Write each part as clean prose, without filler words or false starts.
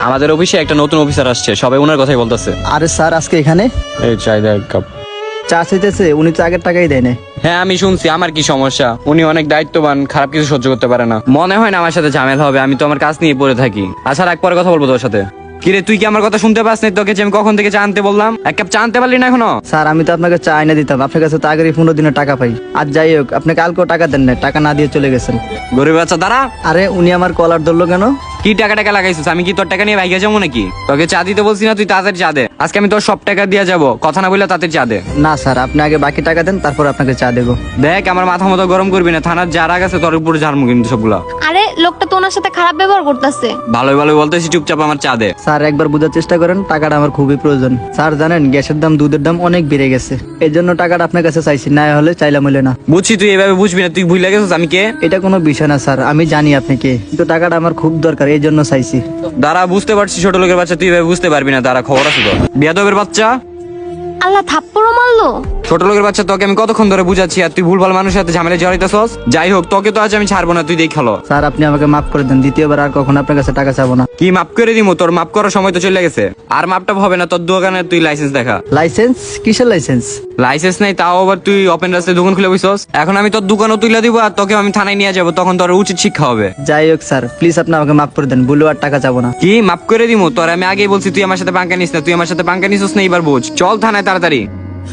আমাদের অফিসে একটা নতুন অফিসার আসছে, সবাই ওনার কথাই বলতেছে। আরে স্যার আজকে এখানে এই চাই দেয় এক কাপ। চা চাইতেছে, উনি তো আগের টাকাই দেয় না। হ্যাঁ আমি শুনছি, আমার কি সমস্যা? উনি অনেক দায়িত্ববান, খারাপ কিছু সহ্য করতে পারে না। মনে হয় না আমার সাথে ঝামেলা হবে, আমি তো আমার কাজ নিয়ে পড়ে থাকি। আচ্ছা এক পরে কথা বলবো তোর সাথে। কিরে তুই কি আমার কথা শুনতে পাস না? তোকে যে আমি কখন থেকে চা আনতে বললাম, এক কাপ চা আনতে পারলি না এখনো? স্যার আমি তো আপনাকে চা এনে দিতাম, আপনার কাছে তো আগেরই 15 দিনের টাকা পাই। আর যাই হোক, আপনি কালকেও টাকা দেন না, টাকা না দিয়ে চলে গেছেন। গরিব বাচ্চা দাঁড়া। আরে উনি আমার কলার ধরলো কেন? কি টাকা লাগাইছিস? আমি কি তোর টাকা নিয়ে ভাইগে যাবো নাকি? তোকে চা দিতে বলছি না, তুই তাড়াতাড়ি চা দে। আজকে আমি তোর সব টাকা দিয়ে যাবো, কথা না বললে তাড়াতাড়ি চা দে। না স্যার, আপনি আগে বাকি টাকা দেন, তারপর আপনাকে চা দেবো। দেখ আমার মাথা মতো গরম করবি না, থানার যারা গেছে তোর উপরে ঝাড়মু কিন্তু সবগুলা। আরে লোকটা তো ওনার সাথে খারাপ ব্যবহার করতেছে। ভালোই ভালোই বলতেছি, চুপচাপ আমার চা দে। স্যার একবার বোঝার চেষ্টা করেন, টাকাটা আমার খুবই প্রয়োজন। স্যার জানেন গ্যাসের দাম, দুধের দাম অনেক বেড়ে গেছে, এই জন্য টাকাটা আপনার কাছে চাইছি, না হলে চাইলাম হলে না। বুঝছি তুই এভাবে বুঝবি না, তুই ভুলে গেছিস আমি কে। এটা কোনো বিষয় না স্যার, আমি জানি আপনি কে, কিন্তু টাকাটা আমার খুব দরকার, এই জন্য চাইছি। দাঁড়া বুঝতে পারছি, ছোট লোকের বাচ্চা, তুই এভাবে বুঝতে পারবি না। দাঁড়া খবর আছে তো। বিয়াদবের বাচ্চা, আল্লাহ থাপ্পড়ও মারলো। ছোট লোকের বাচ্চা, তোকে আমি কতক্ষণ ধরে বুঝাচ্ছি আর তুই ভুলভাল মানুষের সাথে ঝামেলা জড়াইতেছস। যাই হোক, তোকে তো আজ আমি ছাড়বো না, তুই দেখালো। স্যার আপনি আমাকে মাফ করে দেন, দ্বিতীয়বার আর কখনো আপনার কাছে টাকা চাবো না। কি মাপ করে দিমু? তোর মাপ করার সময় তো চলে গেছে, আর মাপটা হবে না। তোর দোকানে তুই লাইসেন্স দেখা। লাইসেন্স? কিসের লাইসেন্স? লাইসেন্স নাই, তাও আবার তুই ওপেন রাস্তায় দোকান খুলে বসছস। এখন আমি তোর দোকানও তুলে দিব আর তোকে আমি থানায় নিয়ে যাবো, তখন তোর উচিত শিক্ষা হবে। যাই হোক স্যার, প্লিজ আপনি আমাকে মাফ করে দেন, ভুলেও আর টাকা চাবো না। কি মাপ করে দিমু? তোর আমি আগেই বলছি তুই আমার সাথে পাঙ্কা নিস না, তুই আমার সাথে পাঙ্কা নিছিস না, এবার বুঝ। চল থানায় তাড়াতাড়ি।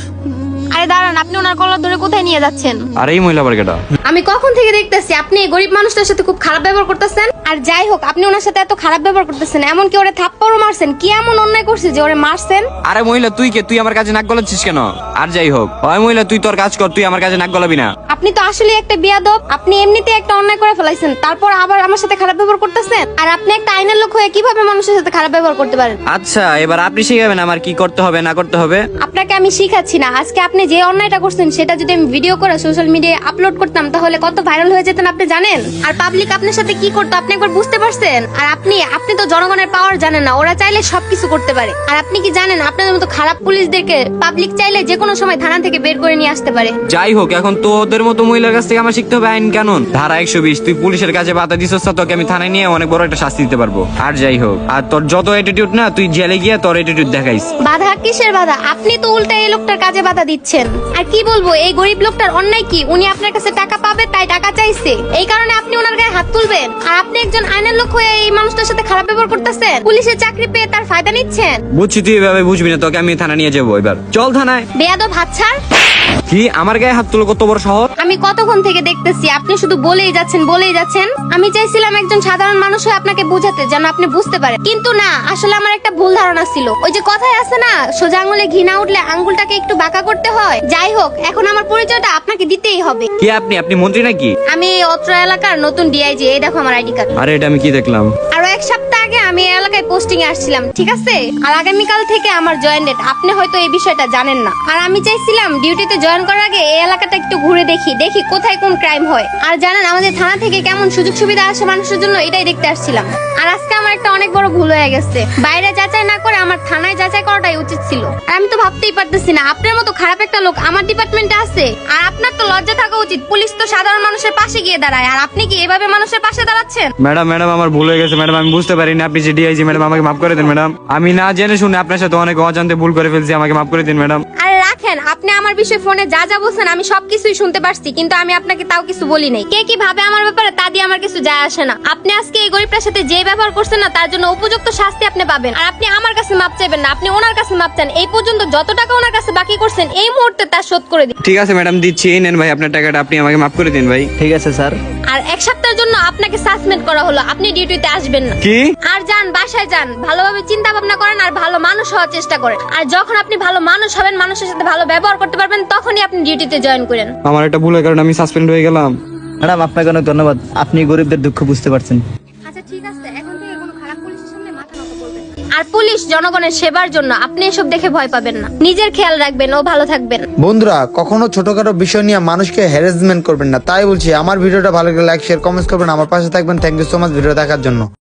আরে দাঁড়ান, আপনি ওনার কলার ধরে কোথায় নিয়ে যাচ্ছেন? আর এই মহিলা বার্গেটা, আমি কখন থেকে দেখতেছি আপনি এই গরিব মানুষটার সাথে খুব খারাপ ব্যবহার করতেছেন। আর যাই হোক, আপনি ওনার সাথে এত খারাপ ব্যবহার করতেছেন, এমনকি ওরে থাপ্পড়ও মারছেন। কি এমন অন্যায় করছে যে ওরে মারছেন? আরে মহিলা তুই কে? তুই আমার কাছে নাক গলাচ্ছিস কেন? আর যাই হোক, ওই মহিলা তুই তোর কাজ কর, তুই আমার কাছে নাক গলাবি না। আপনি তো আসলে একটা বিয়াদব। আপনি এমনিতে একটা অন্যায় করে ফেলাইছেন, তারপর আবার আমার সাথে খারাপ ব্যবহার করতেছেন। আর আপনি একটা আইনের লোক হয়ে কিভাবে মানুষের সাথে খারাপ ব্যবহার করতে পারেন? আচ্ছা এবার আপনি শিখাবেন আমার কি করতে হবে না করতে হবে। আপনাকে আমি শিখাচ্ছি না। আজকে আপনি যে অন্যায়টা করছেন সেটা যদি আমি ভিডিও করে সোশ্যাল মিডিয়ায় আপলোড করতাম, তাহলে কত ভাইরাল হয়ে যেতেন আপনি জানেন? আর পাবলিক আপনার সাথে কি করতো আপনি একবার বুঝতে পারছেন? আর আপনি তো জনগণের পাওয়ার জানেন না, ওরা চাইলে সবকিছু করতে পারে। আর আপনি কি জানেন, আপনাদের মতো খারাপ পুলিশদেরকে পাবলিক চাইলে যে কোনো সময় থানা থেকে বের করে নিয়ে আসতে পারে। যাই হোক, এখন তো ওদের মতো মহিলার কাছ থেকে আমার শিখতে হবে আইন কানুন। ধারা 120, তুই পুলিশের কাছে বাধা দিছস, তোকে আমি থানায় নিয়ে অনেক বড় একটা শাস্তি দিতে পারবো। আর যাই হোক, আর তোর যত অ্যাটিটিউড না, তুই জেলে গিয়ে তোর অ্যাটিটিউড দেখাইস। বাধা? কিসের বাধা? আপনি তো উল্টা এই লোকটার কাজে বাধা দিচ্ছেন। আর কি বলবো, এই গরিব লোকটার অন্যায় কি? উনি আপনার কাছে টাকা পাবে তাই টাকা চাইছে, এই কারণে আপনি ওনার গায়ে হাত তুলবেন? আর আপনি একজন আইনের লোক হয়ে এই মানুষটার সাথে খারাপ ব্যবহার করতেছেন, পুলিশের চাকরি পেয়ে তার ফায়দা নিচ্ছেন। বুঝছি তুই এভাবে বুঝবি না, তোকে আমি থানা নিয়ে যাবো। এবার চল থানায়। বেয়াদব হাত ছাড়। কি আমার গায়ে হাত তুলো? কত বড় শহর! আমি কতক্ষণ থেকে দেখতেছি আপনি শুধু বলেই যাচ্ছেন। আমি চাইছিলাম একজন সাধারণ মানুষ হয়ে আপনাকে বোঝাতে, যেন আপনি বুঝতে পারেন, কিন্তু না, আসলে আমার একটা ভুল ধারণা ছিল। ওই যে কথায় আছে না, সোজা আঙুলে ঘি না উঠলে আঙ্গুলটাকে একটু বাঁকা করতে হয়। যাই হোক, এখন আমার পরিচয়টা আপনাকে দিতেই হবে। কি আপনি মন্ত্রী নাকি? আমি এই অত্র এলাকার নতুন ডিআইজি। এই দেখো আমার আইডি কার্ড। আরে এটা আমি কি দেখলাম? আরো এক সপ্তাহ আগে আমি এই এলাকায় পোস্টিং এ আসছিলাম, ঠিক আছে? আর আগামীকাল থেকে আমার জয়েন ডেট। আপনি হয়তো এই বিষয়টা জানেন না। আর আমি চাইছিলাম ডিউটিতে জয়েন করার আগে এই এলাকাটা একটু ঘুরে দেখি কোথায় কোন ক্রাইম হয়। আর জানেন আমাদের থানা থেকে কেমন সুযোগ সুবিধা আসে মানুষের জন্য, এটাই দেখতে আসছিলাম। আর আজকে আমার একটা অনেক বড় ভুল হয়ে গেছে। বাইরে যাচাই না করে আমার থানায় যাচাই করাটাই উচিত ছিল। আর আমি তো ভাবতেই পারতেছি না আপনার মতো খারাপ একটা লোক আমার ডিপার্টমেন্টে আছে। আর আপনার তো লজ্জা থাকা উচিত, পুলিশ তো সাধারণ মানুষের পাশে গিয়ে দাঁড়ায়, আর আপনি কি এভাবে মানুষের পাশে দাঁড়াচ্ছেন? ম্যাডাম আমার ভুল হয়ে গেছে ম্যাডাম, আমি বুঝতে পারিনি আপনি যে ডিআইজি। ম্যাডাম আমাকে মাফ করে দিন ম্যাডাম, আমি না জেনে শুনে আপনার সাথে অনেক অজান্তে ভুল করে ফেলছি, আমাকে মাফ করে দিন ম্যাডাম। আরে রাখেন, আপনি আমার বিষয়ে ফোনে যা বলছেন আমি সবকিছুই শুনতে পারছি, কিন্তু আমি আপনাকে তাও কিছু বলি নাই। কে কি ভাবে আমার ব্যাপারে তা দিয়ে আমার কিছু যায় আসে না। আপনি আজকে এই গরিবটার সাথে যে ব্যবহার করছেন না, তার জন্য উপযুক্ত শাস্তি আপনি পাবেন। আর আপনি আমার কাছে মাপ চাইবেন না, আপনি ওনার কাছে মাপ চান। এই পর্যন্ত যত টাকা ওনার কাছে বাকি করছেন, এই মুহূর্তে তা শোধ করে দিন। ঠিক আছে ম্যাডাম, দিচ্ছি। এই নেন ভাই আপনার টাকাটা, আপনি আমাকে মাফ করে দিন ভাই। ঠিক আছে স্যার। আর এক সপ্তাহের জন্য আপনাকে সাসপেন্ড করা হলো, আপনি ডিউটিতে আসবেন না। কি? আর যান, বাসায় যান, ভালোভাবে চিন্তা ভাবনা করেন আর ভালো মানুষ হওয়ার চেষ্টা করেন। আর যখন আপনি ভালো মানুষ হবেন, মানুষের সাথে ভালো ব্যবহার করতে পারবেন, তখনই আপনি ডিউটিতে জয়েন করেন। আমার একটা ভুলের কারণে আমি সাসপেন্ড হয়ে গেলাম। ম্যাডাম আপনাকে অনেক ধন্যবাদ, আপনি গরিবদের দুঃখ বুঝতে পারছেন। আচ্ছা ঠিক আছে, এখন থেকে কোনো খারাপ পুলিশের সামনে মাথা নত করবেন না। আর পুলিশ জনগণের সেবার জন্য, আপনি এসব দেখে ভয় পাবেন না। নিজের খেয়াল রাখবেন ও ভালো থাকবেন। বন্ধুরা, কখনো ছোটখাটো বিষয় নিয়ে মানুষকে হ্যারাসমেন্ট করবেন না। তাই বলছি, আমার ভিডিওটা ভালো লাগলে লাইক শেয়ার কমেন্টস করবেন, আমার পাশে থাকবেন। Thank you so much video দেখার জন্য।